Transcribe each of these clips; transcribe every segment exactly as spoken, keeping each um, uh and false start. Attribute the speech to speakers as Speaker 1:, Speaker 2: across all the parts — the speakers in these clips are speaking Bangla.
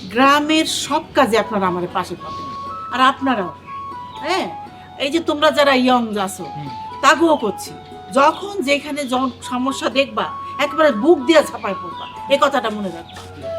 Speaker 1: গ্রামের সব কাজে আপনারা আমার পাশে পাবেন, আর আপনারাও। হ্যাঁ, এই যে তোমরা যারা ইয়ং আছো তাগুও করছি, যখন যেখানে যখন সমস্যা দেখবা একবারে বুক দিয়া ছাপায় পড়বা, এই কথাটা মনে রাখবা।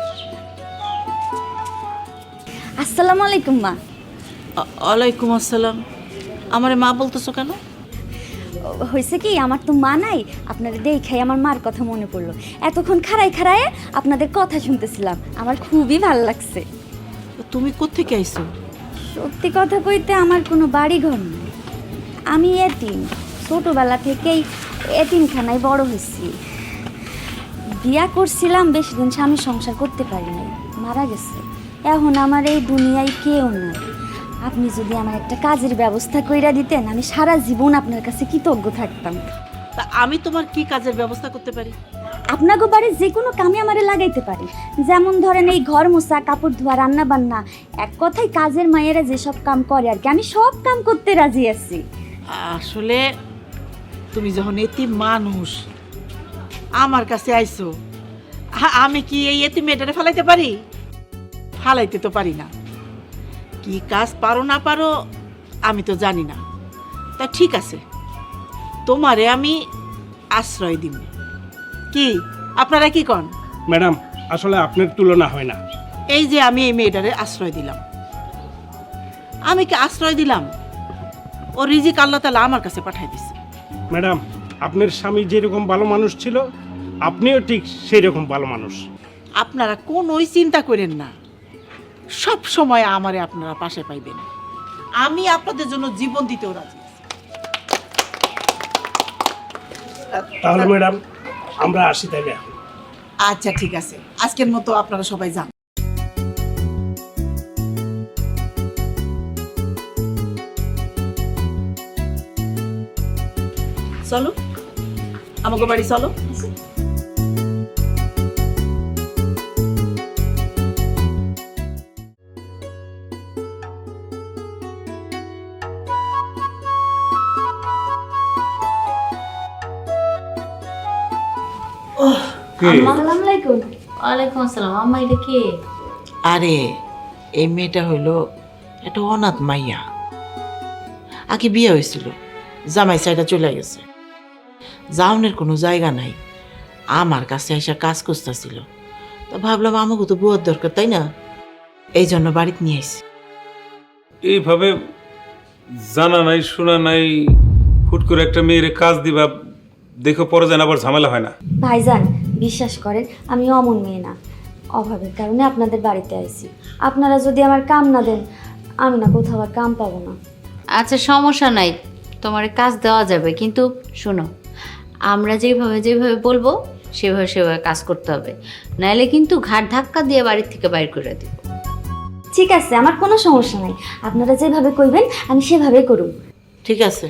Speaker 2: আসসালামু আলাইকুম মা।
Speaker 1: ওয়ালাইকুম আসসালাম। আমারে মা বলতেছো কেন?
Speaker 2: হয়েছে কি, আমার তো মা নাই, আপনাদের দেখাই আমার মার কথা মনে পড়লো। এতক্ষণ খাড়াই খাড়ায় আপনাদের কথা শুনতেছিলাম, আমার খুবই ভালো লাগছে।
Speaker 1: তুমি কোত্থেকে আইছো?
Speaker 2: সত্যি কথা কইতে আমার কোনো বাড়ি ঘর নেই, আমি এতিম। ছোটোবেলা থেকেই এতিমখানায় বড় হয়েছি। বিয়া করছিলাম, বেশি দিন স্বামী সংসার করতে পারি নাই, মারা গেছে। এখন আমার এই দুনিয়ায় কেউ নাই। আপনি যদি আমার একটা কাজের ব্যবস্থা কইরা দিতেন, আমি সারা জীবন আপনার কাছে কৃতজ্ঞ থাকতাম।
Speaker 1: তা আমি তোমার কি কাজের ব্যবস্থা করতে পারি?
Speaker 2: আপনাকে বাড়ির যে কোনো কামে আমারে লাগাইতে পারি, যেমন ধরেন এই ঘর মোছা, কাপড় ধোয়া, রান্না বান্না, এক কথায় কাজের মায়েরা যেসব কাম করে আর কি, আমি সব কাম করতে রাজি আছি।
Speaker 1: আসলে তুমি যখন এতিম মানুষ আমার কাছে আইছো, আ- আমি কি এই এতিম মেয়েটারে ফালাইতে পারি? ফালাইতে তো পারি না। কি কাজ পারো না পারো আমি তো জানি না। তা ঠিক আছে, তোমারে আমি আশ্রয় দিব। কি আপনারা কি কন?
Speaker 3: ম্যাডাম, আসলে আপনার তুলনা হয় না।
Speaker 1: এই যে আমি এই মেয়েটারে আশ্রয় দিলাম, আমি কি আশ্রয় দিলাম? ও রিজিক আল্লাহ তাআলা আমার কাছে পাঠাই দিছে।
Speaker 3: ম্যাডাম, আপনার স্বামী যেরকম ভালো মানুষ ছিল, আপনিও ঠিক সেই রকম ভালো মানুষ।
Speaker 1: আপনারা কোনোই চিন্তা করেন না, সব সময় আমারে আপনারা পাশে পাইবেন। আমি আপনাদের জন্য জীবন দিতেও রাজি আছি।
Speaker 3: তাহলে ম্যাডাম আমরা আসি তাইলে এখন।
Speaker 1: আচ্ছা ঠিক আছে, আজকের মতো আপনারা সবাই যান। চলো আমাকে বাড়ি চলো।
Speaker 2: আসসালামু আলাইকুম।
Speaker 4: ওয়ালাইকুম আসসালাম। আম্মা এটা কে?
Speaker 1: আরে এই মেয়েটা হইল একটা অনাথ মাইয়া, আগে বিয়ে হয়েছিল, জামাই সাইডা চলে গেছে, যাওনের কোনো জায়গা নাই, আমার কাছে এসে কাজ করতেছিল। তা ভাবলাম আমাকে তো বুয়ার দরকার, তাই না? এই জন্য বাড়িতে নিয়ে আসি।
Speaker 5: এইভাবে জানা নাই শোনা নাই হুট করে একটা মেয়ের কাজ দিবা, দেখো পরে যেন আবার ঝামেলা হয় না।
Speaker 2: ভাইজান বিশ্বাস করেন, আমি অমন মেয়ে না, অভাবের কারণে আপনাদের বাড়িতে আইছি। আপনারা যদি আমার কাম না দেন, আমি না কোথাও আর কাম পাবো না।
Speaker 4: আচ্ছা সমস্যা নাই, তোমার কাজ দেওয়া যাবে, কিন্তু শোনো, আমরা যেভাবে যেভাবে বলবো সেভাবে সেভাবে কাজ করতে হবে, নাইলে কিন্তু ঘাট ধাক্কা দিয়ে বাড়ির থেকে বাইর করে দিব।
Speaker 2: ঠিক আছে, আমার কোনো সমস্যা নাই, আপনারা যেভাবে কইবেন আমি সেভাবে করুম।
Speaker 1: ঠিক আছে,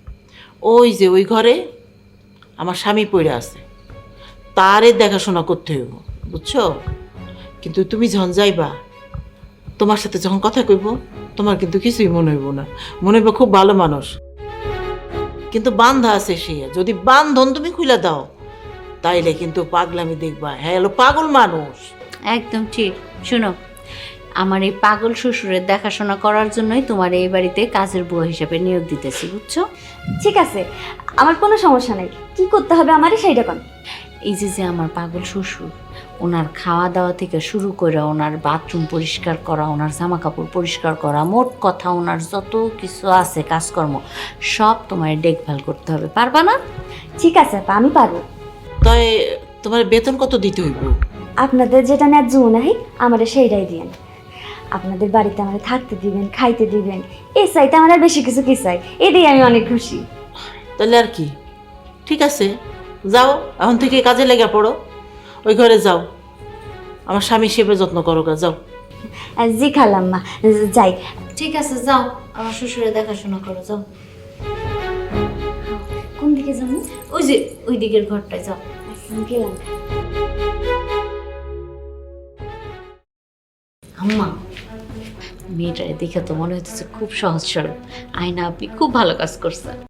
Speaker 1: ওই যে ওই ঘরে আমার স্বামী পড়ে আছে, তারে দেখাশোনা করতে হইব, বুঝছো? কিন্তু তুমি যখন যাইবা, তোমার সাথে যখন কথা কইব, তোমার কিন্তু কিছুই মনে হইব না, মনে হইব খুব ভালো মানুষ। কিন্তু বান্ধা আছে সে, যদি বান্ধন তুমি খুলে দাও তাইলে কিন্তু পাগলামি দেখবা, হ্যাঁ এলো পাগল মানুষ।
Speaker 4: একদম ঠিক। শোনো, আমার এই পাগল শ্বশুরের দেখাশোনা করার জন্যই তোমার এই বাড়িতে কাজের বুয়া হিসেবে নিয়োগ দিতেছি, বুঝছো?
Speaker 2: ঠিক আছে, আমার কোনো সমস্যা নাই, কি করতে হবে আমারে সেইটা কোন।
Speaker 4: এই যে যে আমার পাগল শ্বশুর, ওনার খাওয়া দাওয়া থেকে শুরু করে ওনার বাথরুম পরিষ্কার করা, ওনার জামা কাপড় পরিষ্কার করা, মোট কথা ওনার যত কিছু আছে কাজকর্ম সব তোমার দেখভাল করতে হবে, পারবা না?
Speaker 2: ঠিক আছে আপা, আমি পারবো।
Speaker 1: তাই তোমার বেতন কত দিতে হইব?
Speaker 2: আপনাদের যেটা ন্যায্য মনে হয় আমারে সেইটাই দিয়েন। আপনাদের বাড়িতে আমার থাকতে দিবেন, খাইতে দিবেন, এই চাইতে আমার আর বেশি কিছু কি চাই, এটাই আমি অনেক খুশি।
Speaker 1: তাহলে আর কি, ঠিক আছে, যাও এখন থেকে কাজে লেগে পড়ো, ওই ঘরে যাও, আমার স্বামী সেবা যত্ন করো, গা যাও।
Speaker 2: আর জি খালাম্মা, যাই।
Speaker 4: ঠিক আছে যাও, আমার শ্বশুরের দেখাশোনা করো, যাও।
Speaker 2: কোন দিকে যাবো?
Speaker 4: ওই যে ওই দিকের ঘরটায় যাও।
Speaker 2: আচ্ছা, গেলাম।
Speaker 4: আম্মা, মেয়েটারে দেখে তো মনে হচ্ছে খুব সহজ সরল, আয়না আপনি খুব ভালো কাজ করছে।